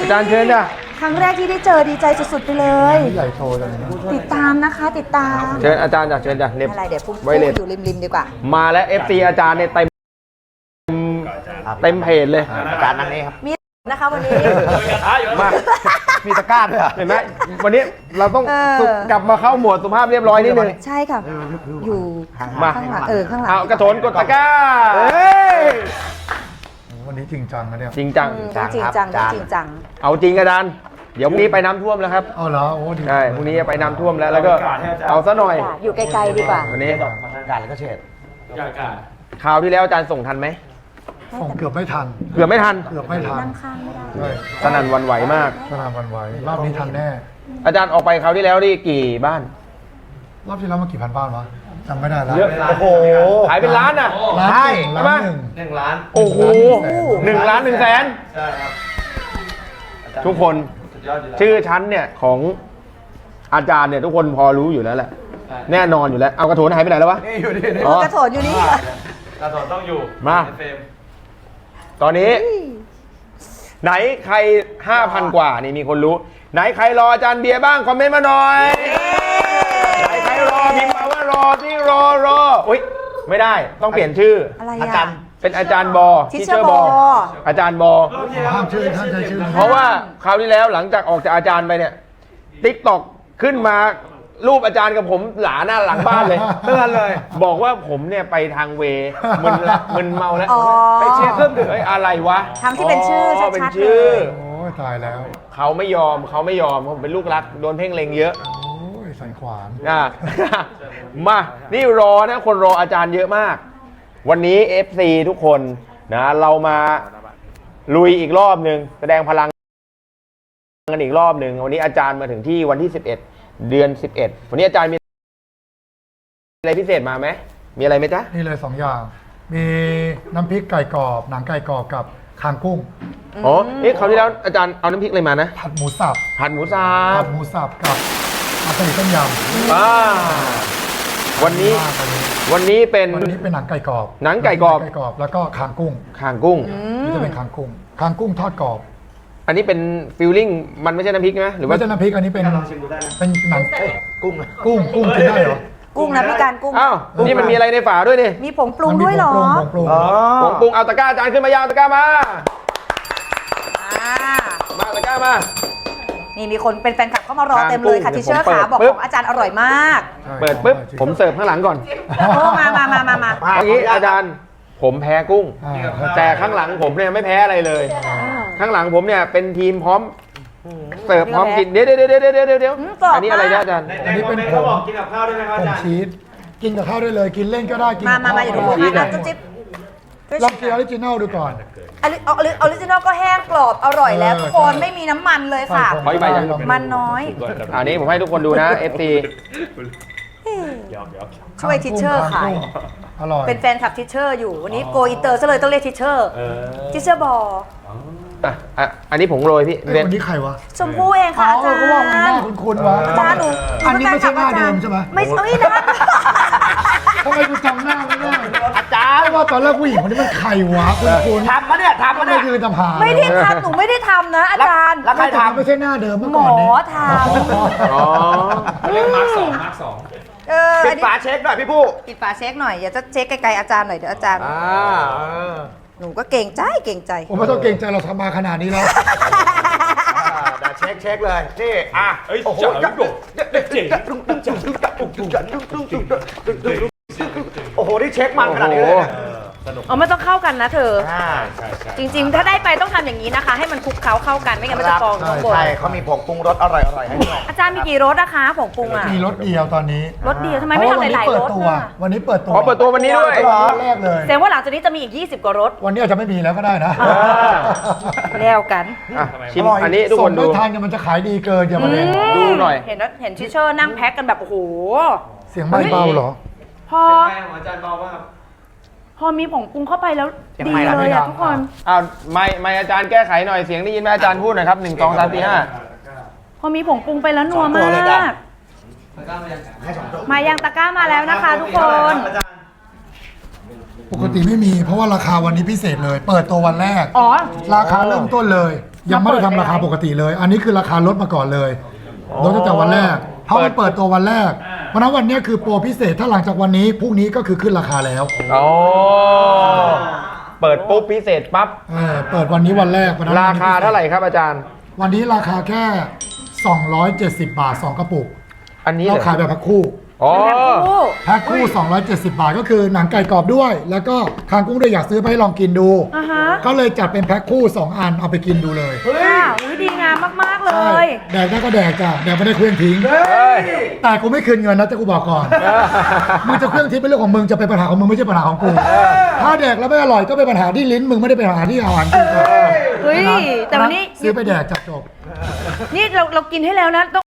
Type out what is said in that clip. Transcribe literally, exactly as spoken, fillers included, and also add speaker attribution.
Speaker 1: จารย์เชิญจ้ะ
Speaker 2: ครั้งแรกที่ได้เจอดีใจสุดๆไปเลยใหญ่โตจังติดตามนะคะติดตาม
Speaker 1: เชิญอาจารย์จ้ะเชิญจ้ะเน็บ
Speaker 2: อะไรเดี๋ยวพุ่งอยู่ริมๆดีกว่า
Speaker 1: มาแล้ว เอฟ ซี อาจารย์เนี่ยเต็มเต็มเพจเลยอาจารย์นั่งนี้ครับ
Speaker 2: มีนะคะวันนี้
Speaker 1: มามีตะกร้าด้วยเห็นไหมวันนี้เราต้องกลับมาเข้าหมวดสุภาพเรียบร้อยนิดนึง
Speaker 2: ใช่ค่ะอยู่
Speaker 1: มา
Speaker 2: ข้างหลังเออข้างหลัง
Speaker 1: เอากระโถนกดตะกร้า
Speaker 3: วันนี้จริงจังนะเนี่ย
Speaker 1: จริงจัง
Speaker 2: จริงจังจริงจัง
Speaker 1: เอาจริงอาจารย์เดี๋ยวพรุ่งนี้ไปน้ำท่วมแล้วครับ
Speaker 3: อ๋อเหรอโอ้ดี
Speaker 1: ใช่พรุ่งนี้ไปน้ำท่วมแล้วแล้วก็เอาซะหน่อย
Speaker 2: อยู่ไกลๆดีกว่า
Speaker 1: วันนี้
Speaker 4: การแล้วก็เฉด
Speaker 1: คราวที่แล้วอาจารย์ส่งทันไหม
Speaker 3: ส่งเกือบไม่ทัน
Speaker 1: เกือบไม่ทัน
Speaker 3: เกือบไม่ทัน
Speaker 2: นั่งข้างไม่ได้
Speaker 1: สนั่นวันไหวมาก
Speaker 3: สนั่นวันไหวรอบนี้ทันแน่
Speaker 1: อาจารย์ออกไปคราวที่แล้วนี่กี่บ้าน
Speaker 3: รอบที่แล้วมากี่พันบ้านวะจำไม่ได้แล้ว
Speaker 1: โอ้โหขายเป็นล้านอ่ะ
Speaker 3: ใช่ล้านหนึ่ง
Speaker 4: หนึ่งล้าน
Speaker 1: โอ้โหหนึ่งล้านหนึ่งแสน
Speaker 4: ใช่ครับ
Speaker 1: ทุกคนชื่อชั้นเนี่ยของอาจารย์เนี่ยทุกคนพอรู้อยู่แล้วแหละแน่นอนอยู่แล้วเอากระโถนหายไปไหนแล้ววะ
Speaker 4: นี่อยู่นี่
Speaker 2: กระโถนอยู่นี่
Speaker 4: กระโถนต้องอยู่
Speaker 1: มาตอนนี้ไหนใคร ห้าพัน กว่านี่มีคนรู้ไหนใครรออาจารย์เบียร์บ้างคอมเมนต์มาหน่อยไหนใครรอพิมพ์มาว่ารอที่รอรออุ้ยไม่ได้ต้องเปลี่ยนชื่ออาจารย์เป็นอาจารย์บอที่เชื่อบออาจารย์บอ
Speaker 3: ห้ามชื่อห้ามใช้ชื่อ
Speaker 1: เพราะว่าคราวที่แล้วหลังจากออกจากอาจารย์ไปเนี่ยติ๊กต็อกขึ้นมารูปอาจารย์กับผมหลาหน้าหลังบ้านเลยเตือนเลยบอกว่าผมเนี่ยไปทางเวมึนละมึนเมาแล้วไปเชียร์เครื่องดื่มอะไรวะ
Speaker 2: ทำที่เป็นชื่อชัดๆเลย
Speaker 3: โอ้ยตายแล้ว
Speaker 1: เขาไม่ยอมเขาไม่ยอมผมเป็นลูกรักโดนเพ่งเล็งเยอะ
Speaker 3: โอ้ยสันขวาน
Speaker 1: อ่ะมานี่รอนะคนรออาจารย์เยอะมากวันนี้ เอฟ ซี ทุกคนนะเรามาลุยอีกรอบหนึ่งแสดงพลังกันอีกรอบหนึ่งวันนี้อาจารย์มาถึงที่วันที่สิบเอ็ดเดือนสิบเอ็ดวันนี้อาจารย์มีอะไรพิเศษมาไหมมีอะไรไหมจ๊ะ
Speaker 3: นี่เลยสองอย่างมีน้ำพริกไก่กรอบหนังไก่กรอบกับคางกุ้ง
Speaker 1: อ๋อเอ๊ะคราวที่แล้วอาจารย์เอาน้ำพริกอะไรมานะ
Speaker 3: ผัดหมูสับ
Speaker 1: ผัดหมูสับ
Speaker 3: ผัดหมูสับกับอาสลิดต้มยำ
Speaker 1: อ่าวันนี้วันนี้เป็น
Speaker 3: วันนี้เป็นหนังไก่กรอบ
Speaker 1: หนังไก่กรอบ
Speaker 3: ไก่กรอบแล้วก็คางกุ้ง
Speaker 1: คางกุ้ง
Speaker 3: นี่จะเป็นคางกุ้งคางกุ้งทอดกรอบ
Speaker 1: อันนี้เป็นฟิลลิ่งมันไม่ใช่น้ำพริกไหมหรือว่า
Speaker 3: ไม่ใช่น้ำพริกอันนี้เป็น
Speaker 4: ลองชิมดูได้นะ
Speaker 3: เป็นหนัง
Speaker 4: กุ้ง
Speaker 3: กุ้งกุ้งกินได้เหรอ
Speaker 2: กุ้งนะพี่การกุ้ง
Speaker 1: อ้าวนี่มันมีอะไรในฝาด้วยนี่
Speaker 2: มีผงปรุงด้วยเหรอ
Speaker 3: ผงปรุง
Speaker 1: ผงปรุงเอาตะกร้าอาจารย์ขึ้นมายาวตะกร้ามามาตะกร้ามา
Speaker 2: นี่มีคนเป็นแฟนคลับเข้ามารอเต็มเลยค่ะทิเชอร์ขาบอกของอาจารย์อร่อยมาก
Speaker 1: เปิดปุ๊บผมเสิร์ฟข้างหลังก่อน
Speaker 2: โอ้มามามามามา
Speaker 1: เมื่อกี้อาจารย์ผมแพ้กุ้งแต่ข้างหลังผมเนี่ยไม่แพ้อะไรเลยข้างหลังผมเนี่ยเป็นทีมพร้อมเสิร์ฟพร้อมกินเดี๋ยวเดี๋ยวเดี๋ยวเดี๋ยวเดี๋ยวเดี๋ยวอันนี้อะไรนะอาจารย์
Speaker 4: อันนี้เป็นผงกินกับข้าวได้ไหมครับอาจารย์
Speaker 3: ชีสกินกับข้าวได้เลยกินเล่นก็ได้กิน
Speaker 2: มามามาอย่าดูชีสนะจิ๊บ
Speaker 3: ลองกินออริจินัลดูก่อน
Speaker 2: ออริจินัลก็แห้งกรอบอร่อยแล้วทุกคนไม่มีน้ำมันเลยค่ะมันน้อย
Speaker 1: อันนี้ผมให้ทุกคนดูนะ เอฟ ซี
Speaker 2: ช่วยทิเชอร์ขายเป็นแฟนคลับทิเชอร์อยู่วันนี้โกอินเตอร์ซะเลยต้องเรียกทิเชอร์ทิเชอร์บอ
Speaker 1: อ่ะอ่ะอันนี้ผงโรยพี่
Speaker 3: วันนี้ใครวะ
Speaker 2: ชมพู่เองค่ะอาจารย์
Speaker 3: เขาบอกหน้าคุ้นๆวะ
Speaker 2: อาจารย์หนู
Speaker 3: อันนี้ไม่ใช่หน้าเดิมใช่ไหม
Speaker 2: ไม่ใช่นะ
Speaker 3: ทำไมกูจำหน้าไม่ได้อาจารย์ว่าตอนแรกผู้หญิงคนนี้มันใครวะคุณ
Speaker 4: ทำมาเนี่ยทำมาเนี่ย
Speaker 3: คือทำหา
Speaker 2: ไม่ได้ทำหนูไม่ได้ทำนะอาจารย์
Speaker 3: แล้วใครทำไม่ใช่หน้าเดิมเมื่อก่อน
Speaker 2: หมอทำ
Speaker 1: อ๋อ
Speaker 4: เรียกมาร์คสองมาร์คสอง
Speaker 1: ปิดฝาเช็คหน่อยพี่ผู้
Speaker 2: ปิดฝาเช็คหน่อยอย่าจะเช็คไกลๆอาจารย์หน่อยเดี๋ยวอาจารย์หนูก็เก่งใจเก่งใจ
Speaker 3: ผมไม่ต้องเก่งใจเราทำมาขนาดนี้แล้ว
Speaker 1: เช็คเช็คเลยนี่อ่ะ
Speaker 4: โอ้โหเจ๋ง
Speaker 1: โอ้โหนี่เช็คมันขนาดนี้เลย
Speaker 2: อ๋อไม่ต้องเข้ากันนะเธอจริงๆถ้าได้ไปต้องทำอย่างนี้นะคะให้มันคลุกเคล้าเข้ากันไม่งั้นมันจะฟองทั้งหมด
Speaker 1: ใช่เขามีผงปรุงรสอร่อยอร่อยให้ด้วย
Speaker 2: อาจารย์มีกี่รสนะคะผงปรุงอ่ะ
Speaker 3: มีรสเดียวตอนนี้
Speaker 2: รสเดียวทำไมไม่ทำหลายๆรส
Speaker 3: วันนี้เปิดตัว
Speaker 1: อ๋อเปิดตัววันนี้ด้วย
Speaker 3: แรกเลย
Speaker 2: แสดงว่าหลังจากนี้จะมีอีกยี่สิบกว่ารส
Speaker 3: วันนี้อาจจะไม่มีแล้วก็ได้นะ
Speaker 2: แล้วกัน
Speaker 1: ชิมอันนี้ทุกคนดู
Speaker 3: ทานกันมันจะขายดีเกินอย่ามาเล่น
Speaker 1: ดูหน่อย
Speaker 2: เห็นเห็นทิเชอร์นั่งแพ็คกันแบบโอ้โห
Speaker 3: เสียงไม่เบาหรอ
Speaker 2: พอ
Speaker 4: อาจารย์เบามาก
Speaker 2: พอมีผงปรุงเข้าไปแล้วดีเลยอ่ะทุกคน
Speaker 1: อ้าวไม่ไม่อาจารย์แก้ไขหน่อยเสียงได้ยินไหมอาจารย์พูดหน่อยครับหนึ่งสองสามสี่ห้า
Speaker 2: พอมีผงปรุงไปแล้วนัวมากมายังตะกร้ามาแล้วนะคะทุกคน
Speaker 3: ปกติไม่มีเพราะว่าราคาวันนี้พิเศษเลยเปิดตัววันแรก
Speaker 2: อ๋อ
Speaker 3: ราคาเริ่มต้นเลยยังไม่ได้ทำราคาปกติเลย อันนี้คือราคาลดมาก่อนเลยลดตั้งแต่วันแรกเพราะมันเปิดตัววันแรกเพราะนั้นวันนี้คือโปรพิเศษถ้าหลังจากวันนี้พรุ่งนี้ก็คือขึ้นราคาแล้ว
Speaker 1: อ๋อเปิดปุ๊บพิเศษปั๊บ
Speaker 3: เออเปิดวันนี้วันแรกวันนั้น
Speaker 1: ราคาเท่าไหร่ครับอาจารย์
Speaker 3: วันนี้ราคาแค่สองร้อยเจ็ดสิบบาทสองกระปุก
Speaker 1: อันนี้
Speaker 3: เรา
Speaker 1: เหรอ
Speaker 3: ขายแบบแพ็คคู่
Speaker 1: อ๋อ
Speaker 2: เป็นแบบคู่
Speaker 3: แพ็คคู่สองร้อยเจ็ดสิบบาทก็คือหนังไก่กรอบด้วย แล้วก็คางกุ้งด้วยอยากซื้อไปให้ลองกินดู
Speaker 2: อ่าฮะ
Speaker 3: ก็เลยจัดเป็นแพ็คคู่สองอันเอาไปกินดูเลย
Speaker 2: ค่ะอุ้ยดีงามมากๆเล
Speaker 3: ใช่
Speaker 2: ย
Speaker 3: แดกได้ก็แดกจ้ะแดกไม่ได้เคลื่อนทิ้ง
Speaker 1: เฮ้ย
Speaker 3: แต่กูไม่คืนเงินนะจะกูบอกก่อน มึงจะเครื่องทิ้งเป็นเรื่องของมึงจะเป็นปัญหาของมึงไม่ใช่ปัญหาของกู ถ้าแดกแล้วไม่อร่อยก็เป็นปัญหาที่ลิ้นมึงไม่ได้เป็นปัญหาที่อาหารกู
Speaker 2: เฮ้ยแต่วันนี้
Speaker 3: ซื้อไปแดกจับจบ
Speaker 2: นี่เราเรากินให้แล้วนะต้อง